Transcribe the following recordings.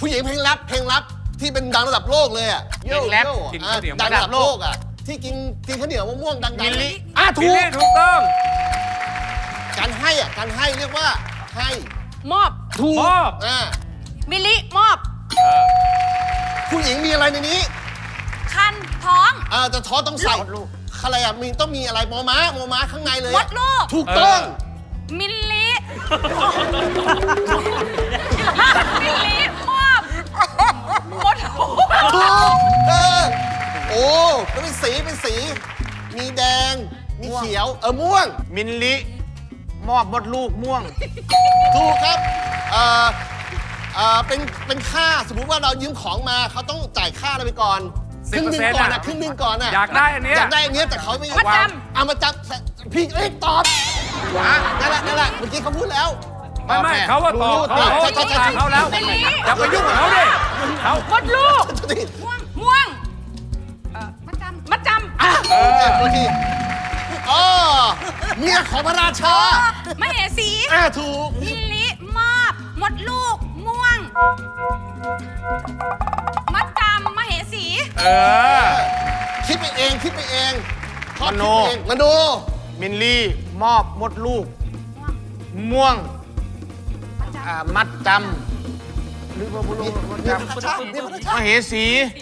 ผู้หญิงเพลงแรปที่เป็นดังระดับโลกเลยอ่ะเพลงแรปกินข้าวเหนียวดังระดับโลกอ่ะที่กินข้าวเหนียวมะม่วงดังๆมิลลิถูกถูกต้องการให้อ่ะการให้เรียกว่าให้มอบถูกมอบมิลลิมอบผู้หญิงมีอะไรในนี้คันท้องจะท้อต้องใส่อะไรอ่ะมีต้องมีอะไรมอม้าข้างในเลยมดลูกถูกต้องมิลลิมิลลิมอบมดลูกถูกโอ้แล้วเป็นสีมีแดงมีเขียวม่วงมิลลิมอบมดลูกม่วงถูกครับเป็นค่าสมมุติว่าเรายืมของมาเขาต้องจ่ายค่าอะไรไปก่อนครึ่งหนึงก่อนครึ่งหนึงก่อนอยากได้อันเนี้ยอยากได้อันเนี้ยแต่เขาไม่มาจเอามาจับพี่ตอบนั่นแหละเมื่อกี้เขาพูดแล้วไม่เขาว่าตอบเขาเขาแล้วอย่าไปยุ่งกับเขาดิเขาำมดลูกม่วงมัดจำโอเคเมียของพระราชามเหสีถูกมิลลิมอบมดลูกม่วง มัดจำมเหสีคิดไปเองชอบมโนคิดไปเองมโนมิลลี่มอบมดลูก ม่วงมัดจำหรือว่าบุรุษมัดจำมเหสี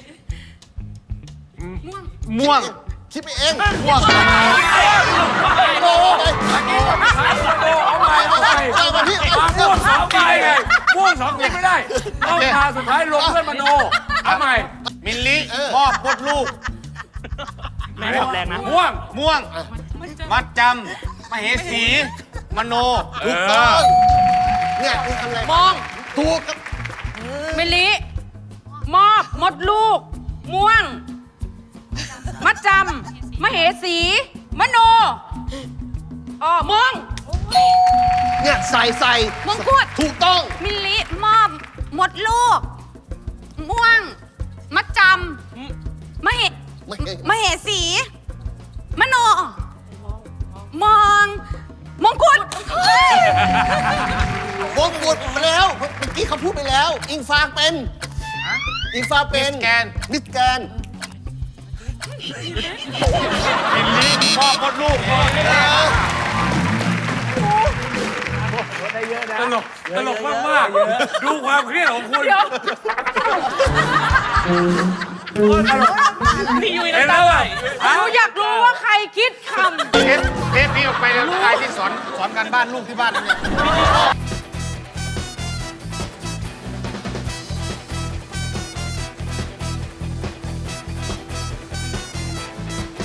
ม่วงคิดไปเองม่วงโอ้ไปเอาใหม่เอาพี่ม่วงสองใบไงม่วงสองกินไม่ได้ต้องมาสุดท้ายลงเพื่อนมโนเอาใหม่มิลลี่มอบมดลูกไม่ทำแรงนะม่วงม่วง มัดจำมเหสี มโนถูกต้องเนี่ยคุณทำอะไรมองถูกครับมิลลิมอบมดลูก ม่วง มัดจำมเหสี มโนมองเนี่ยใส่มงกุฎถูกต้องมิลลิมอบมดลูก ม่วง มัดจำมเหสี มโน มองมงกุฎวงกุดไปแล้วเมื่อกี้เขาพูดไปแล้ว อิงฟ้าเป็นอิงฟ้าเป็นมิสแกนมิสแกนมิลลี่มอบมดลูกตลกมากๆดูความเครียดของคุณพี่ยุ้ยเห็นแล้วอ่ะหนูอยากรู้ว่าใครคิดคำเทปนี้ออกไปแล้วใครที่สอนการบ้านลูกที่บ้านเนี่ย